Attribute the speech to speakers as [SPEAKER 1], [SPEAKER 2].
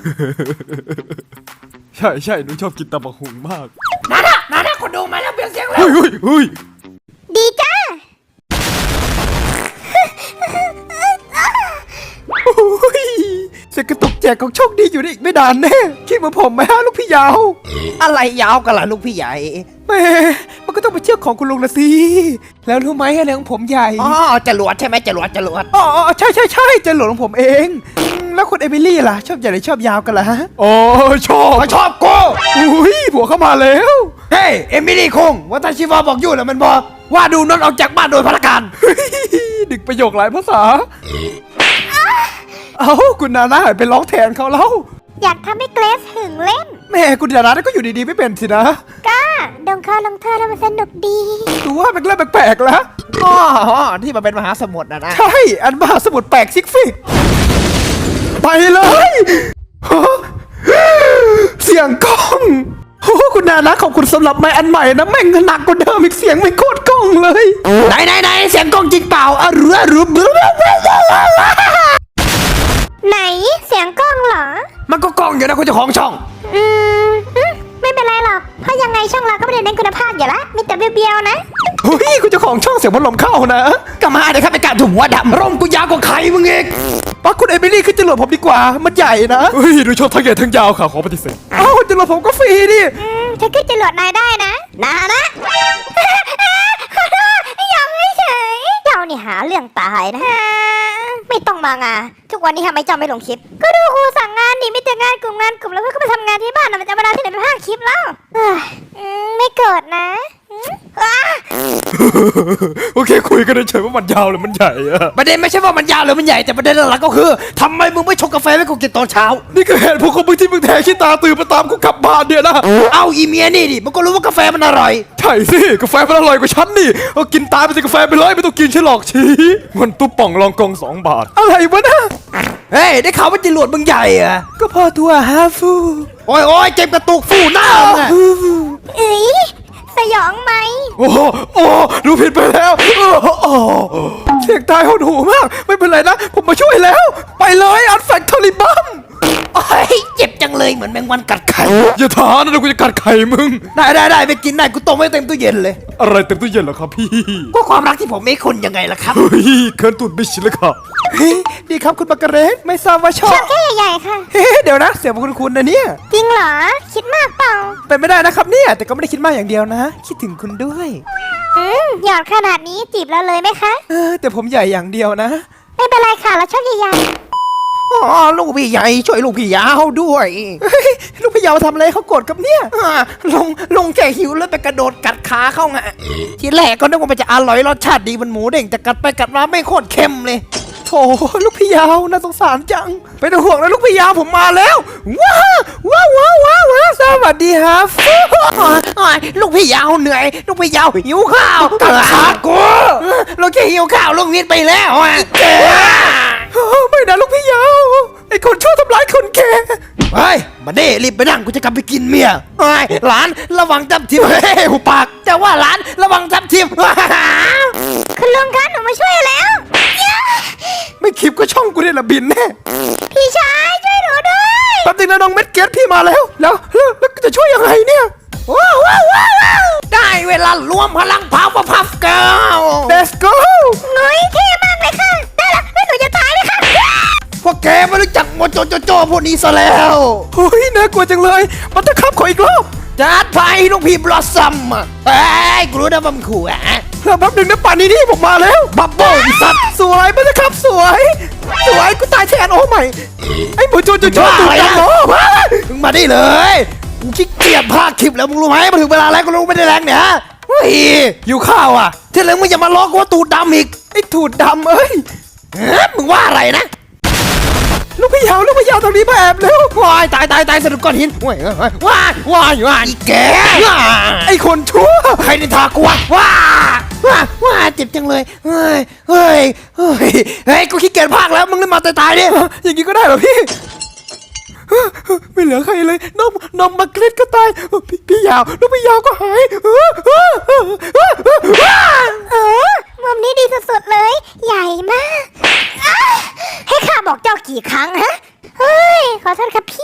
[SPEAKER 1] ใช่ใช่หนูชอบกินตำบักหุ่งมาก
[SPEAKER 2] นาคนดูมาแล้วเปลี่ยนเสียงแล้ว
[SPEAKER 1] เฮ้ย
[SPEAKER 3] ดีจ้า
[SPEAKER 1] เสียงกระตุกแจกของโชคดีอยู่นี่อีกไม่นานแน่คิดเหมือนผมไหมฮะลูกพี่ยาว
[SPEAKER 2] อะไรยาวกันล่ะลูกพี่ใหญ่
[SPEAKER 1] แม่มันก็ต้องเป็นเชือกของคุณลุงละสิแล้วรู้ไหมอะไรของผมใหญ่
[SPEAKER 2] อ๋อจรวดใช่ไหมจรวด
[SPEAKER 1] อ๋อใช่จะหลวงผมเองแล้วคุณเอมิลี่ล่ะชอบใหญ่หรือชอบยาวกันล่ะอ๋อชอบ
[SPEAKER 2] กู
[SPEAKER 1] อุ้ยผัวเข้ามาแล้ว
[SPEAKER 2] เฮ้ยเอมิลี่คงว่าตาชิวาบอกอยู่แล้วมันบอกว่าดูนนท์ออกจากบ้านโดยพละการ
[SPEAKER 1] ดึกประโยคหลายภาษาเอาคุณนาน่าไปร้องแทนเขาแล้ว
[SPEAKER 3] อยากทำให้เกรซหึงเล่น
[SPEAKER 1] แม่คุณนาน่าก็อยู่ดีๆไม่เป็นสินะ
[SPEAKER 3] ก้าดงข้าวลงเธอแล้วมันสนุกดี
[SPEAKER 1] ดูว่าเป็นเรื่องแปลกๆแล้ว
[SPEAKER 2] อ๋อที่มันเป็นมหาสมุทรนะ
[SPEAKER 1] ใช่อันมหาสมุทรแปลกซิกฟิกไปเลยเสียงกล้องโอ้คุณนานะขอบคุณสำหรับไม้อันใหม่นะแม่งหนักกว่าเดิมอีกเสียงไม่โคตรกล้องเลย
[SPEAKER 2] ไหนเสียงกล้องจริงเปล่าอะรู้
[SPEAKER 3] ไหนเสียงกล้องเหรอ
[SPEAKER 2] มันก็กล้องอยู่นะคุณเจ้าของช่อง
[SPEAKER 3] ไม่เป็นไรหรอกเพราะยังไงช่องเราก็ไม่ได้เน้นคุณภาพอยู่ละมีแต่เบี้ยวๆนะ
[SPEAKER 1] เฮ้ยคุณเจ้าของช่องเสียงพัดลมเข้านะ
[SPEAKER 2] ก็มาเดี๋ยวข้าไปการถุงหัวดำร่มกูยาวกว่าใครมึงอีก
[SPEAKER 1] ปักคุณเอมิลี่ขึ้นจรวดผมดีกว่ามันใหญ่นะเฮ้ยดูชอบทั้งใหญ่ทั้งยาวค่ะขอปฏิเสธอ้าวจรวดผมก็ฟรีดิ
[SPEAKER 3] ฉันขึ้นจรวดนายได้นะขอโทษยอมให้เฉยเรานี่หาเรื่องตายนะไม่ต้องมางาทุกวันนี้ทำไมเจ้าไม่ลงคลิปก็ดูครูสั่งงานนี่ไม่แต่งานกลุ่มแล้วเพื่อนก็มาทำงานที่บ้านมันจะเวลาที่ไหนไปพากคลิปแล้วไม่เกิดนะ
[SPEAKER 1] โอเคคุยกันเฉยว่ามันยาวหรือมันใหญ่อะ
[SPEAKER 2] ประเด็นไม่ใช่ว่ามันยาวหรือมันใหญ่แต่ประเด็นหลักก็คือทำไมมึงไม่ชงกาแฟให้กูกินตอนเช้า
[SPEAKER 1] นี่ก็เหตุผลของมึงที่มึงแทงขี้ตาตื่นมาตามกูกลับบ้านเนี่ยนะ
[SPEAKER 2] เอาอีเมียนี่ดิมันก็รู้ว่ากาแฟมันอร่อย
[SPEAKER 1] ใช่สิกาแฟมันอร่อยกว่าฉันนี่เอากินตายไปสิกาแฟไปเลยไม่ต้องกินฉันหรอกชี้มันตุ๊บป่องรองกอง2 บาทอะไรวะนะ
[SPEAKER 2] เฮ้ยได้ข่าวว่าจรวดมึงใหญ่อะ
[SPEAKER 1] ก็พอตัวฮาฟู
[SPEAKER 2] โอ้ยเจ็บกระตุกฟูหน้ามึงอะ
[SPEAKER 3] สยองไหม
[SPEAKER 1] โอ้ดูผิดไปแล้วเสียงตายหดหูมากไม่เป็นไรนะผมมาช่วยแล้วไปเลยอันแฟกทอริบัม
[SPEAKER 2] เจ็บจังเลยเหมือนแมงวันกัดไข่
[SPEAKER 1] อย่าท้านะเดี๋ยวกูจะกัดไข่มึง
[SPEAKER 2] ได้ไปกินได้กูต้มไว้เต็มตู้เย็นเลย
[SPEAKER 1] อะไรเต็มตู้เย็นเหรอครับพี่
[SPEAKER 2] ก็ความรักที่ผมไม่คุณยังไงล่ะครับ
[SPEAKER 1] เฮ้ยเคิร์นตุ่นไม่ชินเลยครับดีครับคุณบักกะเรสไม่ทราบว่าชอบ
[SPEAKER 3] แค่ใหญ่ๆค่ะ
[SPEAKER 1] เดี๋ยวนะเสียงคุณนะเนี่ย
[SPEAKER 3] จริงเหรอคิดมากเปล่า
[SPEAKER 1] เป็นไม่ได้นะครับเนี่ยแต่ก็ไม่ได้คิดมากอย่างเดียวนะคิดถึงคุณด้วย
[SPEAKER 3] หยอดขนาดนี้จีบเราเลยไหมคะ
[SPEAKER 1] แต่ผมใหญ่อย่างเดียวนะ
[SPEAKER 3] ไม่เป็นไรค่ะเราชอบใหญ่
[SPEAKER 2] ลูกพี่ใหญ่ช่วยลูกพี่ยาวด้วย
[SPEAKER 1] ลูกพี่ยาวทำอะไรเขาโกรธกับเนี่ย
[SPEAKER 2] ลงแค่หิวแล้วไปกระโดดกัดขาเข้าไงทีแรกก็นึกว่ามันจะอร่อยรสชาติดีมันหมูเด้งแต่กัดไปกัดมาไม่โคตรเค็มเลย
[SPEAKER 1] โถลูกพี่ยาวน่าสงสารจังไม่ต้องห่วงนะลูกพี่ยาวผมมาแล้วว้าวสวัสดีครับ
[SPEAKER 2] ลูกพี่ยาวเหนื่อยลูกพี่ยาวหิวข้าวกัดขากูลูกแค่หิวข้าวลูกวิทย์ไปแล้ว
[SPEAKER 1] ไม่นะลูกพี่ยาวไอ้คนชั่วทำร้ายคนแก่
[SPEAKER 2] เฮ้ยมาเด้รีบไปนั่งกูจะกลับไปกินเมียหลานระวังจับทิมหูปากแต่ว่าหลานระวังจับทิม
[SPEAKER 3] คุณลุงคะหนูมาช่วยแล้ว
[SPEAKER 1] ไม่คลิปก็ช่องกูเนี่ยละบินแน่
[SPEAKER 3] พี่ชายช่วยหนูด้วย
[SPEAKER 1] แป๊บนึงนะน้องเม็ดเกตพี่มาแล้วจะช่วยยังไงเนี่ย
[SPEAKER 2] ว้าวได้เวลารวมพลังพาวเวอร์พัฟเกิร์ล
[SPEAKER 1] Let's go
[SPEAKER 3] เฮ้ยเท่มากเลยค่ะได้ละแล้วหนูจะตายไหมคะ
[SPEAKER 2] พวกแกไม่รู้จักโมโจพวกนี้ซะแล้ว
[SPEAKER 1] เฮ้ยน่ากลัวจังเลยมันจะขับขออีกรอบ
[SPEAKER 2] จัดไปลูกพี่บลอสซัมเฮ้ยกูรู้นะว่ามันขู่
[SPEAKER 1] แป๊บนึงนะป่านนี้ผมมาแล้ว
[SPEAKER 2] บับเบิ้ลสัตว์
[SPEAKER 1] สวยมันจะขับสวยกูตายแทนโอ้ใหม่ไอ้โมโจตูดจังโอ้
[SPEAKER 2] มึงมาได้เลยกูขี้เกียจพากคลิปแล้วมึงรู้ไหมมาถึงเวลาแล้วกูรู้ไม่ได้แรงเนี่ยเฮ้ยหิวข้าวอ่ะที่เหลือมึงอย่ามาล้อกูว่าตูดดำอีก
[SPEAKER 1] ไอ้ตูดดำเอ้ย
[SPEAKER 2] มึงว่าอะไรนะ
[SPEAKER 1] ลูกพี่ยาวตรงนี้มาแอบแล้ว
[SPEAKER 2] วายตายสะดุดก้อนหินว้ายอีแก
[SPEAKER 1] ไอ้คนชั่ว
[SPEAKER 2] ใครนินทากูว้าเจ็บจังเลยเฮ้ยกูขี้เกียจพากแล้วมึงเล่นมาตายดิ
[SPEAKER 1] อย่างนี้ก็ได้เหรอพี่ไม่เหลือใครเลยน้องมาเกล็ดก็ตายพี่ยาวลูกพี่ยาวก็หาย
[SPEAKER 3] มุมนี้ดีสุดๆเลยใหญ่มากให้ข้าบอกเจ้ากี่ครั้งฮะเฮ้ยขอโทษครับพี่